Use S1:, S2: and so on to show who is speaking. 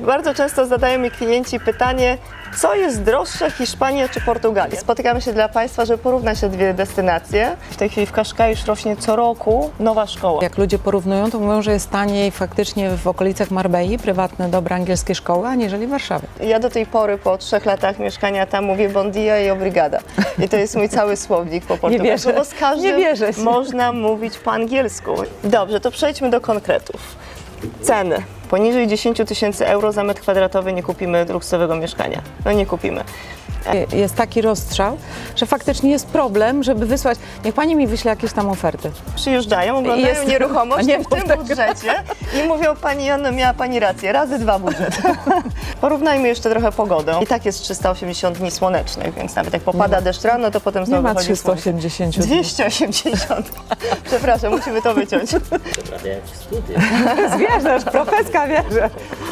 S1: Bardzo często zadają mi klienci pytanie, co jest droższe, Hiszpania czy Portugalia? Spotykamy się dla Państwa, żeby porównać te dwie destynacje. W tej chwili w Kaszkai już rośnie co roku nowa szkoła.
S2: Jak ludzie porównują, to mówią, że jest taniej faktycznie w okolicach Marbei, prywatne, dobre angielskie szkoły, aniżeli w Warszawie.
S1: Ja do tej pory, po 3 latach mieszkania tam, mówię bon dia i obrigada. I to jest mój cały słownik po portugalsku,
S2: wierzę.
S1: bo z każdym
S2: Nie wierzę ci.
S1: można mówić po angielsku. Dobrze, to przejdźmy do konkretów. Ceny. Poniżej 10 000 euro za metr kwadratowy nie kupimy luksusowego mieszkania. No nie kupimy.
S2: Jest taki rozstrzał, że faktycznie jest problem, żeby wysłać. Niech pani mi wyśle jakieś tam oferty.
S1: Przyjeżdżają, oglądają
S2: Jest-
S1: nieruchomość
S2: nie
S1: w tym
S2: mów tego.
S1: budżecie i mówią, pani Joanno, miała pani rację, razy 2 budżet. Porównajmy jeszcze trochę pogodę. I tak jest 380 dni słonecznych, więc nawet jak popada deszcz rano, to potem
S2: Nie
S1: znowu
S2: ma
S1: wychodzi słońce.
S2: 380 dni.
S1: 280. Przepraszam, musimy to wyciąć.
S3: Prawie jak w studiu.
S2: Zwierzasz, profeska wierzę.